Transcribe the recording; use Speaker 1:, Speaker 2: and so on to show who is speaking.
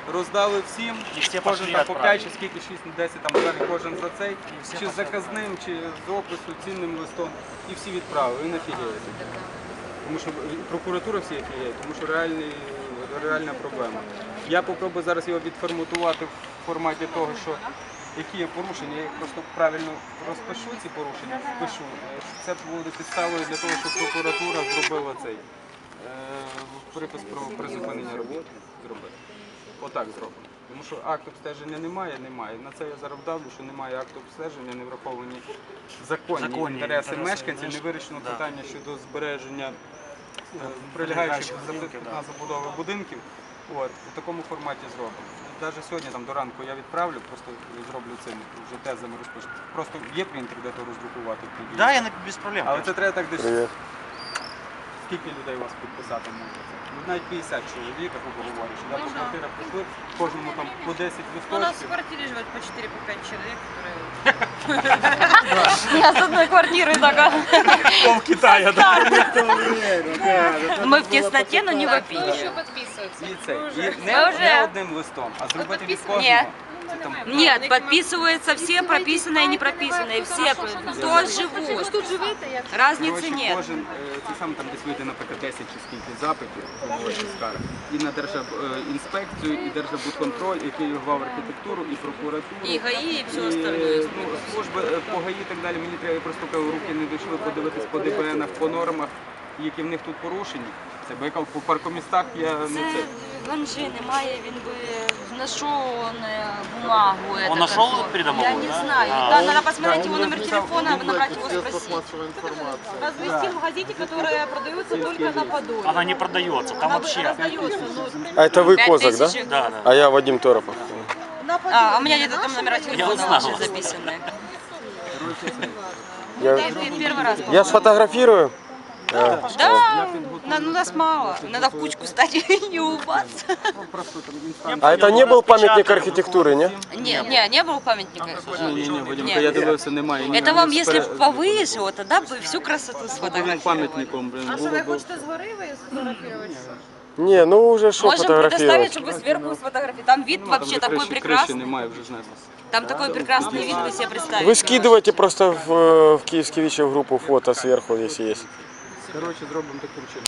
Speaker 1: роздали всім,
Speaker 2: всі
Speaker 1: кожен
Speaker 2: пошли
Speaker 1: там по 5
Speaker 2: відправили.
Speaker 1: чи скільки, 6-10 там гривень кожен за цей, чи з заказним, чи з опису, цінним листом, і всі відправили, і нафігієте. Тому що прокуратура всі офігіє, тому що реальна проблема. Я попробую зараз його відформатувати в форматі того, що які є порушення, я їх просто правильно розпишу, ці порушення, впишу. Це буде підставою для того, щоб прокуратура зробила цей припис про призупинення роботи. Отак зробимо. Тому що акт обстеження немає. На це я зараз вдавлю, що немає акту обстеження, не враховані законні інтереси мешканців, не вирішено питання щодо збереження прилягаючих на забудови будинків. У такому форматі зробимо. Навіть сьогодні там, до ранку я відправлю, просто зроблю цим вже тезами розпишу. Просто є принтер, де то роздрукувати.
Speaker 2: Да, я без проблем.
Speaker 1: Але це треба так десь. Скільки людей у вас підписати може? Навіть 50 чоловік, як ви говорите, що по квартирах прийшли, кожному там по 10 листочків.
Speaker 3: У нас в квартире живет по 4-5 человек, которые...
Speaker 4: Я с одной квартиры такая.
Speaker 2: Пол Китая, да.
Speaker 4: Мы в тесноте, но не вопим.
Speaker 3: Еще подписываются.
Speaker 1: І це. І не одним листом, а зробити від кожного.
Speaker 4: Ні.
Speaker 1: Це там
Speaker 4: Нет, подписываются все прописанные и не прописанные. Все, кто живут.
Speaker 3: Тут живете, як?
Speaker 4: Разницы
Speaker 1: коротше,
Speaker 4: нет.
Speaker 1: кожен, це саме там десь вийде, наприклад, 10 чи скільки запитів, скарг, і на Держінспекцію, і Держбудконтроль, і Київгав архітектуру, і прокуратуру.
Speaker 4: И ГАИ, и все
Speaker 1: І,
Speaker 4: остальное.
Speaker 1: служби по ГАІ і так далі, мені треба просто руки не дійшли подивитись по ДБНах, по нормах, які в них тут порушені. Це бо яка по паркомістах я не це.
Speaker 4: Ганжи немає, він би знайшов бумагу.
Speaker 2: Он нашел придомовую,
Speaker 4: Я не
Speaker 2: да?
Speaker 4: знаю. Да, надо посмотреть его номер телефона, набрать его, спросить.
Speaker 3: Развести в газете, которая продается только на Подоле.
Speaker 2: Она не продается, там вообще.
Speaker 3: Раздается,
Speaker 5: А это вы Козак, да?
Speaker 4: 5000.
Speaker 2: Да, да.
Speaker 5: А я Вадим Торопов.
Speaker 3: на Подоле.
Speaker 4: А у меня где-то там номера телефона
Speaker 2: знала.
Speaker 4: ваши записаны.
Speaker 5: Я,
Speaker 4: Первый раз.
Speaker 5: я сфотографирую.
Speaker 4: Да, ну нас мало. Надо в кучку стать и улыбаться.
Speaker 1: Просто там інстанція.
Speaker 5: А это не был памятник архитектуры, не?
Speaker 4: Не было памятника.
Speaker 1: Ні, Вадимка,
Speaker 4: Нет.
Speaker 1: я дивився, немає.
Speaker 4: Это вам, если повыше, вот тогда бы всю красоту
Speaker 1: Одним
Speaker 4: сфотографировали.
Speaker 1: пам'ятником, блин,
Speaker 3: А что,
Speaker 1: було
Speaker 3: вы
Speaker 1: б.
Speaker 3: хочете с горы вы сфотографировать?
Speaker 5: Не, ну уже что
Speaker 4: Можем предоставить,
Speaker 5: фотографировать.
Speaker 4: чтобы вы сверху сфотографировали. Там вид
Speaker 1: Ну, там
Speaker 4: вообще
Speaker 1: вже
Speaker 4: такой
Speaker 1: криші
Speaker 4: прекрасный.
Speaker 1: немає, вже знеслося.
Speaker 4: Там такой прекрасный вид, вы себе представите.
Speaker 5: Вы скидывайте просто в Киевский вечер в группу фото сверху, если есть.
Speaker 1: Коротше, зробимо таким чином.